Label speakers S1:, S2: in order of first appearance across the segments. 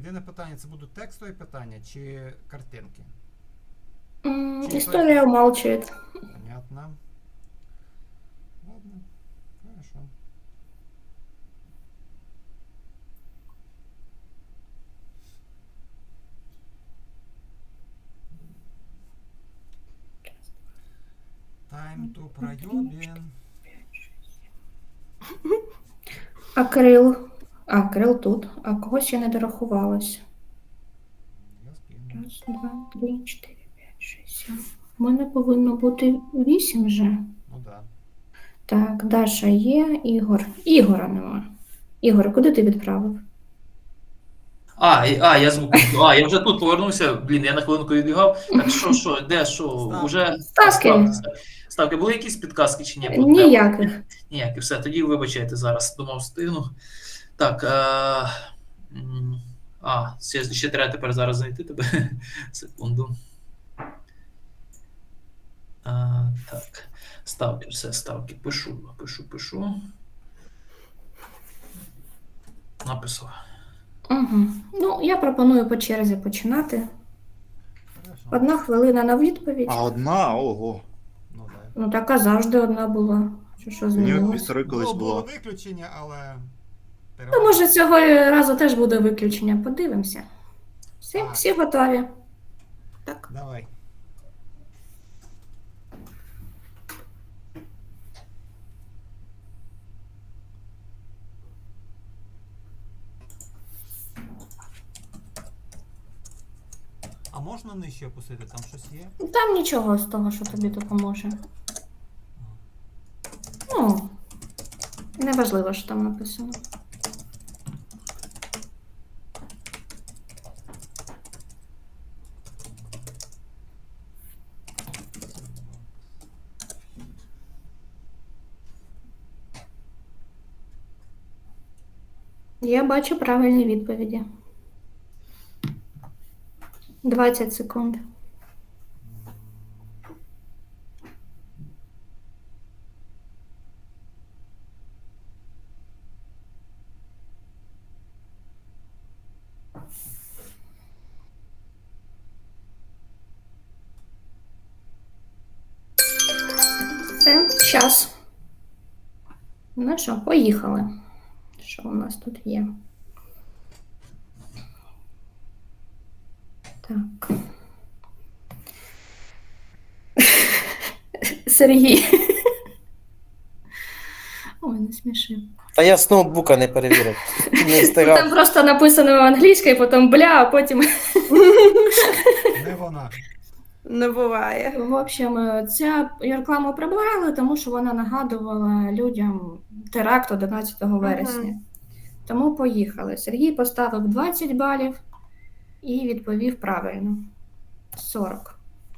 S1: єдине питання, це будуть текстові питання чи картинки?
S2: История умалчивает.
S1: Понятно. Ладно, хорошо. Time to проебин.
S2: А Кирил? А, Кирил тут. А когось я не дорахувалась.
S1: Я скину.
S2: Раз, два, три, 4, 5, 6, 7. У мене повинно бути 8 вже.
S1: Ну да.
S2: Так, Даша є, Ігор. Ігора нема. Ігор, куди ти відправив?
S3: Я вже тут повернувся. Блін, я на хвилинку відбігав. Так де, уже
S2: Ставки.
S3: ставки. Були якісь підказки чи ні?
S2: Ніяких.
S3: Ніякі, все, тоді вибачайте зараз, думав, встигну. Так, ще треба тепер зараз знайти тебе. Секунду. Так, ставки, все, ставки. Пишу. Написав.
S2: Угу. Ну, я пропоную по черзі починати.
S1: Хорошо.
S2: 1 хвилина на відповідь.
S4: А одна? Ого.
S1: Ну да.
S2: Ну, така завжди одна була. Що
S4: Мені
S2: змінилось?
S4: півтори колись
S1: Було
S4: було.
S1: виключення, але...
S2: Ну, може, цього разу теж буде виключення. Подивимося.
S1: Так.
S2: Всі готові? Так.
S1: Давай. А можна нижче опустити? Там щось є?
S2: Там нічого з того, що тобі допоможе. Ну, неважливо, що там написано. Я бачу правильні відповіді. 20 секунд. Все, час. Ну що, поїхали. Що у нас тут є? Так. Сергій. Ой, не смішив.
S5: А я з ноутбука не перевірив. Не
S2: Там
S5: встигав.
S2: просто написано англійською, потім бля, а потім.
S1: Не вона.
S6: Не буває.
S2: В общем, ця рекламу прибрали, тому що вона нагадувала людям теракт 11 вересня. Тому поїхали. Сергій поставив 20 балів і відповів правильно. 40.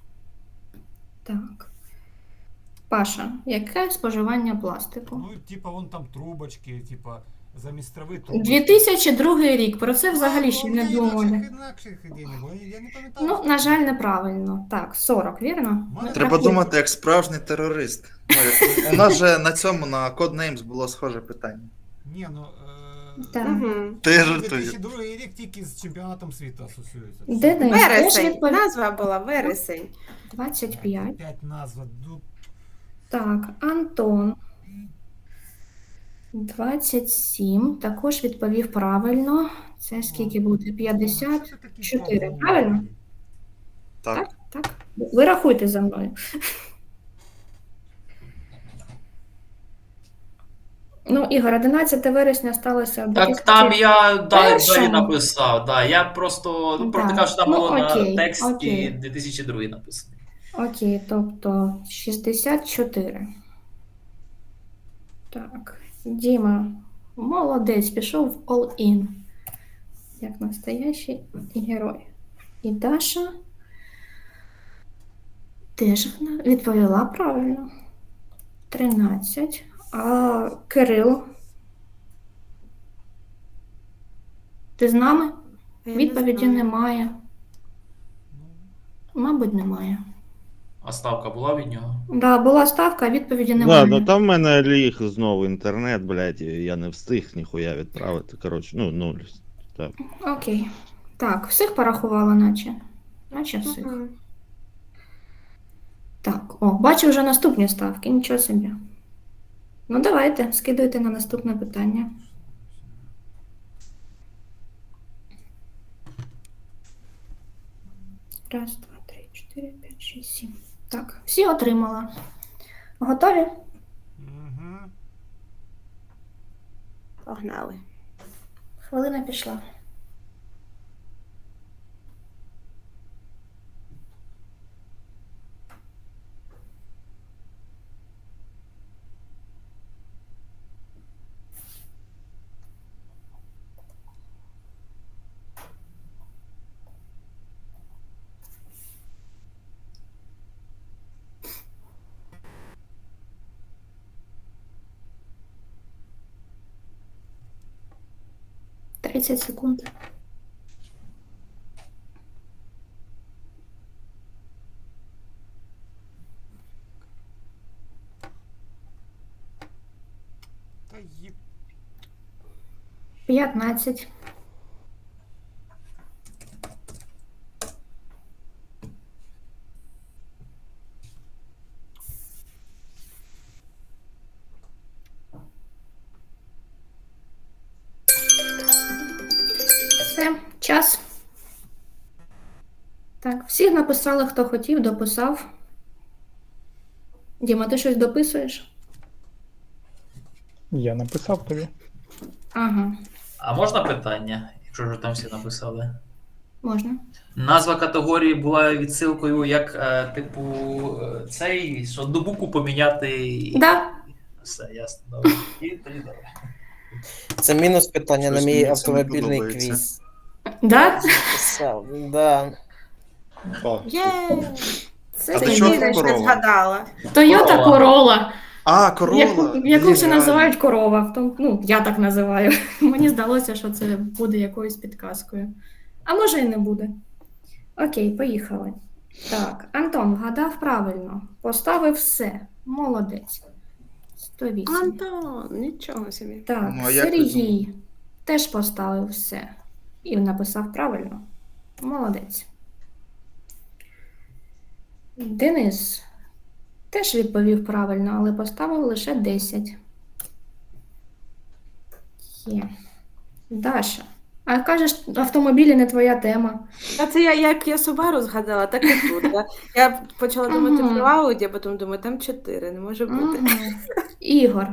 S2: Так. Паша, яке споживання пластику?
S1: Ну, типа, вон там трубочки, типа, замість трави трубочки.
S2: 2002 рік. Про це взагалі ще не думали.
S1: Інакших ідей не було. Я не пам'ятаю.
S2: Ну, на жаль, неправильно. Так, 40, вірно?
S1: Мене
S4: Треба
S2: Рахуй.
S4: думати як справжній терорист. Ну, у нас же на цьому, на Codenames було схоже питання.
S1: Ні, ну...
S2: Так.
S4: Ти жартуєш.
S1: 2002 рік тільки з чемпіонатом світу асоціюється.
S2: Денис, теж
S6: Вересень.
S2: відповів.
S6: Назва була вересень.
S2: 25.
S1: 5 назва.
S2: Так, Антон. 27. Також відповів правильно. Це скільки буде? 54, правильно?
S4: Так.
S2: Так. Ви рахуйте за мною. Ну, Ігор, 11 вересня сталося в
S3: Так, там я далі
S2: Першому.
S3: написав. Да, я просто
S2: Да.
S3: кажу, що там
S2: Ну,
S3: було
S2: окей,
S3: на тексті
S2: окей.
S3: 2002 написано.
S2: Окей, тобто 64. Так, Діма, молодець, пішов в all-in. Як настоящий герой. І Даша теж відповіла правильно. 13. А Кирил? Ти з нами?
S6: Я не
S2: Відповіді
S6: знаю.
S2: немає. Мабуть, немає.
S3: А ставка була від нього?
S2: Да, була ставка, а відповіді
S7: Да,
S2: немає.
S7: ну там в мене ліг знову інтернет, блядь, і я не встиг ніхуя відправити. Коротше, ну, нуль. Так.
S2: Окей. Так, всіх порахувала, наче. Наче всіх.
S6: Мгм.
S2: Так, о, бачу вже наступні ставки, нічого собі. Ну, давайте, скидуйте на наступне питання. Раз, два, три, 4, 5, 6, 7. Так, всі отримала. Готові?
S1: Угу.
S6: Погнали.
S2: Хвилина пішла. Тридцять секунд.
S1: Та їп.
S2: 15. Все, час. Так, всі написали, хто хотів, дописав. Діма, ти щось дописуєш?
S8: Я написав тобі.
S2: Ага,
S3: А можна питання, якщо вже там всі написали?
S2: можна.
S3: Назва категорії була відсилкою, як, типу, цей, що одну букву поміняти.
S2: Да.
S3: Все, ясно, добре. І тоді добре.
S5: Це мінус питання на
S4: Щось
S5: мій
S4: мені це не
S5: автомобільний
S4: подобається.
S5: квіз.
S2: Да?
S5: Писав, да.
S6: Є!
S2: Це
S4: А ти
S6: Це
S4: чого
S6: єдине, що
S4: корова?
S6: згадала.
S2: Toyota Corolla.
S4: А, Corolla.
S2: Яку
S4: Блін,
S2: ще
S4: реально.
S2: називають корова. Ну, я так називаю. Мені здалося, що це буде якоюсь підказкою. А може і не буде. Окей, поїхали. Так, Антон вгадав правильно. Поставив все. Молодець. 108.
S6: Антон, нічого собі.
S2: Так,
S4: Ну, а як ти
S2: Сергій теж поставив все. І написав правильно. Молодець. Денис теж відповів правильно, але поставив лише 10. Є. Даша. А кажеш, автомобілі не твоя тема.
S6: А це як я Subaru згадала, так і тут. Я почала думати
S2: Мгм.
S6: про Audi, а потім думаю, там 4, не може бути.
S2: Ага. Ігор.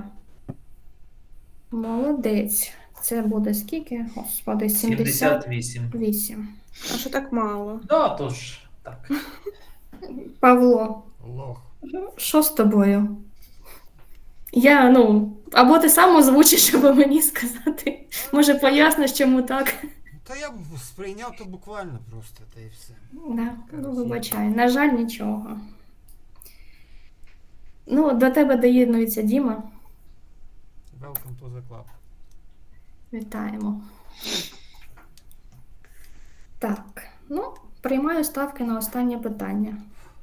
S2: Молодець. Це буде скільки? Господи,
S3: 78.
S2: 78.
S6: А що так мало?
S3: Да, тож, так.
S2: Павло.
S1: Лох.
S2: Що з тобою? Або ти сам озвучиш, щоб мені сказати. Може, поясниш, чому так?
S1: Та я б сприйняв то буквально просто, та і все.
S2: Да, вибачай. На жаль, нічого. До тебе доєднується Діма.
S1: Welcome to the club.
S2: Вітаємо. Так, приймаю ставки на останнє питання.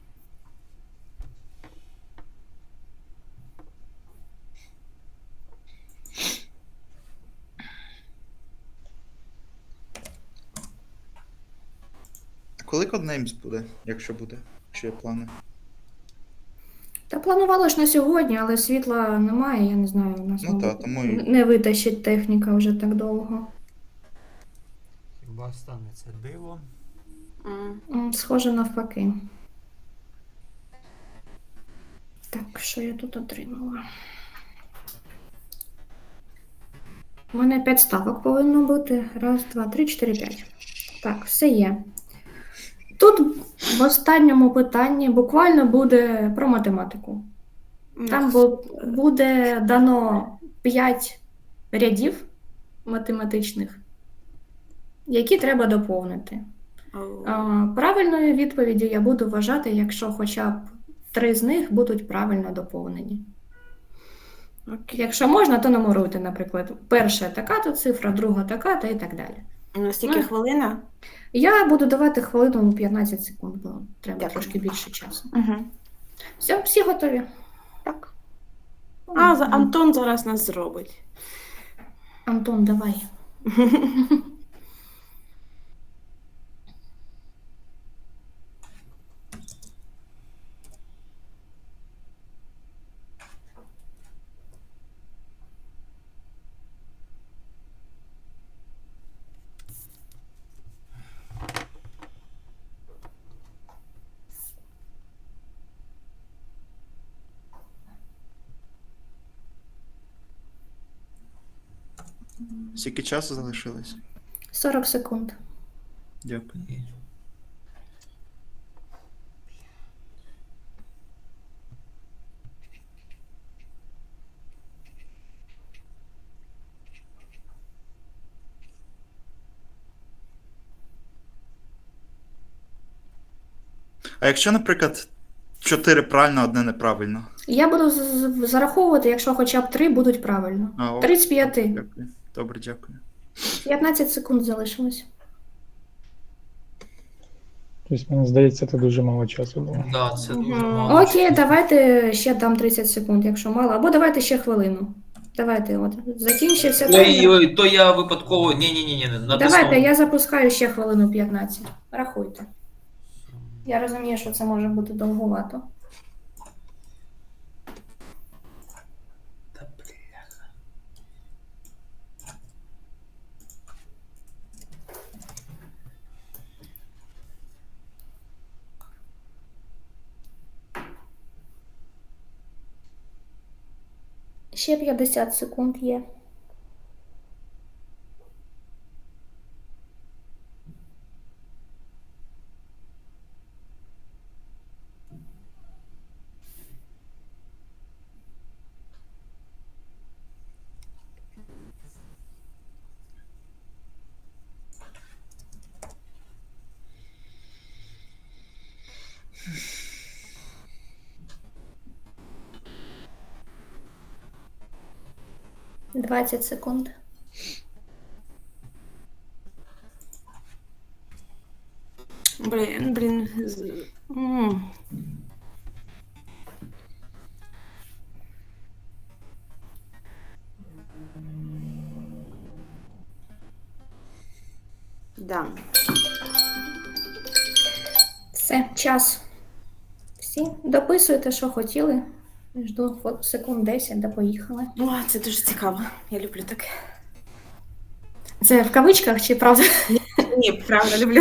S4: Коли Codenames буде, якщо буде? Чи є плани?
S2: Та планувала ж на сьогодні, але світла немає, я не знаю, у нас
S4: Ну
S2: мабуть,
S4: так, тому і-
S2: не витащить техніка вже так довго.
S1: Хіба станеться диво?
S2: Схоже навпаки. Так, що я тут отримала? У мене 5 ставок повинно бути. Раз, два, три, 4, 5. Так, все є. Тут в останньому питанні буквально буде про математику. Там буде дано 5 рядів математичних, які треба доповнити. Правильною відповіддю я буду вважати, якщо хоча б 3 з них будуть правильно доповнені. Якщо можна, то нумеруйте, наприклад, перша така-то цифра, друга така-то і так далі.
S6: Настільки хвилина?
S2: Я буду давати хвилину 15 секунд, бо треба
S6: Дякую.
S2: трошки більше часу.
S6: Угу.
S2: Все, всі готові?
S6: Так. Антон зараз нас зробить.
S2: Антон, давай.
S4: Скільки часу залишилось?
S2: 40 секунд.
S4: Дякую. А якщо, наприклад, 4 правильно, одне неправильно?
S2: Я буду зараховувати, якщо хоча б 3 будуть правильно.
S4: А, ок.
S2: 35.
S4: Дякую. Добре, дякую.
S2: 15 секунд залишилось.
S7: Тобто, мені здається, це дуже мало часу було.
S3: Да, це дуже
S6: Мгм.
S3: мало.
S2: Окей, давайте ще дам 30 секунд, якщо мало. Або давайте ще хвилину. Давайте, от. Закінчився таймер.
S3: Ой, то я випадково. Ні,
S2: Давайте, я запускаю ще хвилину 15. Рахуйте. Я розумію, що це може бути довгувато.
S3: Та бляха.
S2: Ще 50 секунд є. — 20 секунд.
S6: Блін. Да.
S2: Все, час. Всі дописуйте, що хотіли. Жду секунд 10, да поїхали.
S6: О, це дуже цікаво. Я люблю таке.
S2: Це в кавичках чи правда?
S6: Ні, правда, люблю.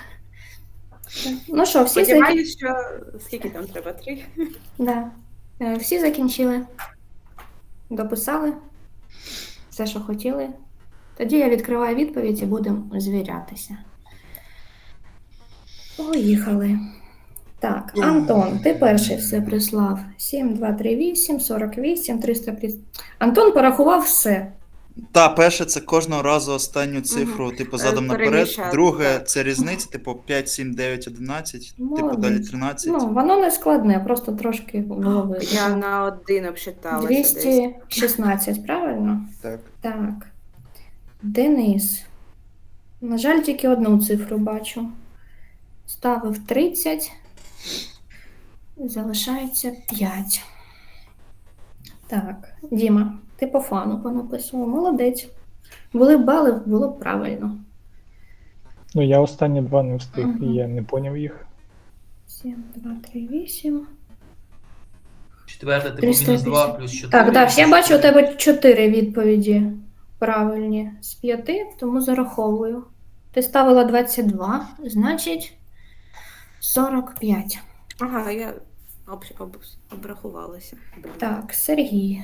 S2: Ну що, всі,
S6: Сподіваюсь, що скільки там треба? 3?
S2: да. Всі закінчили. Дописали все, що хотіли. Тоді я відкриваю відповідь і будемо звірятися. Поїхали. Так, Антон, ти перший все прислав. 7, 2, 3, 8, 48, 350. Антон порахував все.
S4: Та, перше, це кожного разу останню цифру, типу, задом наперед.
S6: Переміщати,
S4: Друге,
S6: так.
S4: це різниця, типу, 5, 7, 9, 11, типу,
S2: Молодець.
S4: далі 13.
S2: Ну, воно не складне, просто трошки голови.
S6: Я на 1 обсчиталася десь.
S2: 216, правильно?
S4: Так.
S2: Так. Денис. На жаль, тільки одну цифру бачу. Ставив 30. Залишається 5. Так, Діма, ти по фану понаписував. Молодець. Були б бали, було б правильно.
S7: Ну, я останні 2 не встиг,
S2: Мгм.
S7: і я не поняв їх.
S2: 7, 2, 3, 8.
S3: Четверте, типу,
S2: 350.
S3: мінус 2 плюс 4.
S2: Так, Даш, я бачу у тебе 4 відповіді правильні з 5, тому зараховую. Ти ставила 22, значить 45.
S6: Ага, я обрахувалася. Блін.
S2: Так, Сергій.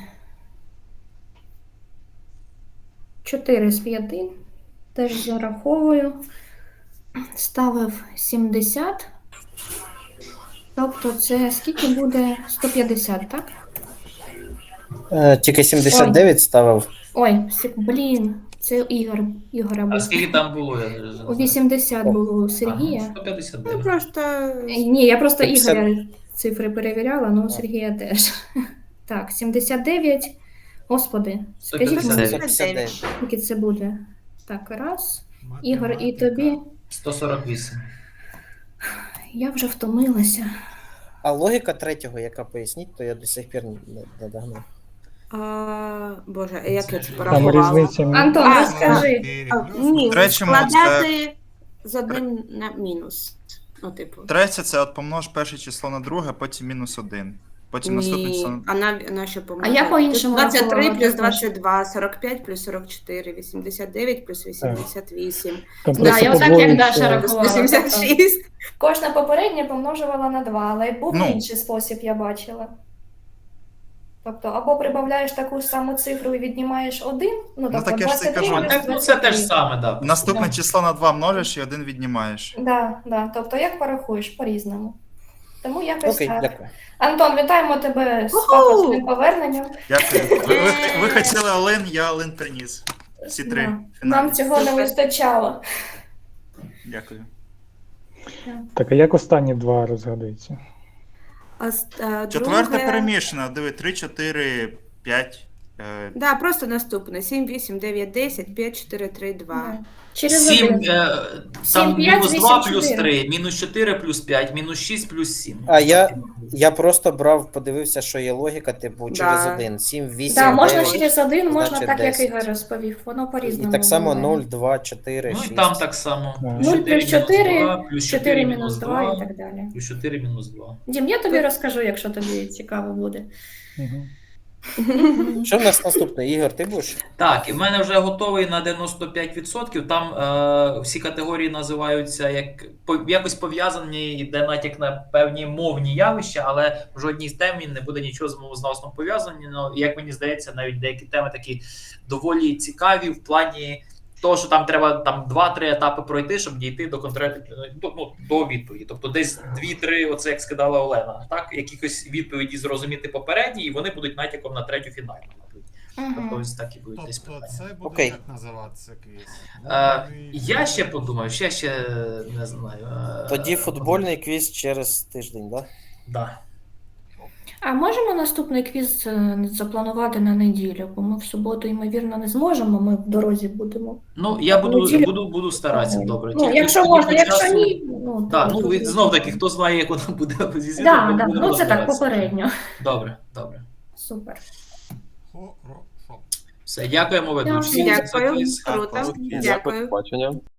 S2: 4 з 5. Теж зараховую. Ставив 70. Тобто це скільки буде? 150, так?
S5: Тільки 79 ставив.
S2: Ой, блін, це Ігора
S3: А
S2: був.
S3: скільки там було? Я вже
S2: У
S3: не знаю.
S2: 80 було у
S3: Ага,
S2: Сергія.
S3: 159.
S6: Ну, просто
S2: Ні, я просто
S5: 50.
S2: Ігоря цифри перевіряла, але у Сергія теж. Так, 79. Господи, скажіть мені,
S3: 159.
S2: скільки це буде? Так, раз. Ігор, і тобі.
S3: 148.
S2: Я вже втомилася.
S5: А логіка третього, яка поясніть, то я до сих пір не догнав.
S6: Боже, як я це
S7: Там
S6: порахувала?
S7: різниця
S2: Антон,
S6: А,
S2: розкажи.
S6: Ні,
S4: Третьому
S6: складати з одним на мінус. Ну, типу.
S4: Третє, це от помнож перше число на друге, потім мінус 1. Потім наступне число.
S6: Ні, а на що помножати?
S2: А я по-іншому
S6: 23
S2: рахувала
S6: плюс
S2: також.
S6: 22, 45 плюс 44, 89 плюс 88,
S7: Там
S2: Да,
S7: просто
S2: я отак, як
S7: подвоюється.
S2: Даша
S6: плюс
S2: рахувала.
S6: 86.
S2: Кожна попередня помножувала на 2, але був
S4: Ну.
S2: інший спосіб, я бачила. Тобто, або прибавляєш таку ж саму цифру і віднімаєш 1, ну, тобто
S4: так я ж це
S2: 23
S4: кажу.
S3: А
S2: мінус
S3: так, ну це те ж
S2: 23.
S3: саме, да.
S4: Наступне
S2: Да.
S4: число на 2 множиш і 1 віднімаєш.
S2: Да, да. Тобто, як порахуєш? По-різному. Тому якось
S5: Окей,
S2: так.
S5: дякую.
S2: Антон, вітаємо тебе з
S6: Уху!
S2: пафосним поверненням.
S4: Дякую. Ви хотіли Олен, я Олен приніс. Всі 3
S2: Да.
S4: фіналі.
S2: Нам цього не вистачало.
S4: Дякую.
S7: Так, а як останні два розгадуються?
S4: Четверте перемішане. Диви, 3, 4, 5.
S6: Да, просто наступне. 7, 8, 9, 10, 5, 4, 3, 2.
S2: Да. Через
S3: 7,
S2: 1.
S3: там
S2: 7, 5,
S3: мінус
S2: 8,
S3: 2 плюс
S2: 4.
S3: 3, мінус 4 плюс 5, мінус 6 плюс 7.
S5: А я просто брав, подивився, що є логіка, типу, через
S6: Да.
S5: 1. 7, 8,
S2: Да, можна
S5: 9.
S2: через 1, можна
S5: значить,
S2: так, як
S5: 10.
S2: Ігор розповів. Воно по-різному.
S5: І так само
S2: буває.
S5: 0, 2, 4,
S3: Ну
S5: 6.
S3: і там так само.
S7: Да.
S2: 0 плюс 4,
S3: плюс
S2: 4 мінус 2 і так далі.
S3: Плюс 4 мінус 2.
S2: Дім, я тобі розкажу, якщо тобі цікаво буде.
S7: Угу.
S5: Що в нас наступне? Ігор, ти будеш?
S3: Так, і в мене вже готовий на 95%. Там всі категорії називаються якось пов'язані, йде натяк на певні мовні явища, але в жодній з темі не буде нічого з мовознавством пов'язані. Ну, як мені здається, навіть деякі теми такі доволі цікаві в плані того, що там треба там 2-3 етапи пройти, щоб дійти до до відповіді. Тобто десь 2-3, оце як сказала Олена, так, якихось відповіді зрозуміти попередні, і вони будуть натяком на третю фінальну. Тобто
S2: Угу.
S3: ось так і будуть десь
S1: Тобто
S3: питання.
S1: це буде
S5: Окей.
S1: як називатися квіз?
S3: Я ще подумав, ще не знаю.
S5: Тоді футбольний квіз через тиждень, так?
S3: Да.
S2: А можемо наступний квіз запланувати на неділю? Бо ми в суботу, ймовірно, не зможемо, ми в дорозі будемо.
S3: Ну, я
S2: Неділю.
S3: буду старатися, добре.
S2: Ну,
S3: Тільки
S2: якщо
S3: тоді
S2: можна,
S3: по
S2: якщо
S3: часу-
S2: ні, ну,
S3: Так,
S2: то-
S3: ну знов таки, хто знає, як воно буде зі звітом,
S2: Да,
S3: ми
S2: да.
S3: будемо
S2: Ну це так,
S3: розбиратися.
S2: попередньо.
S3: Добре.
S2: Супер.
S1: Хорошо.
S3: Все, дякуємо ведучі.
S2: Дякую.
S3: за
S6: Дякую,
S3: квіз.
S6: круто.
S4: Дякую.
S6: Дякую.
S8: Побачення.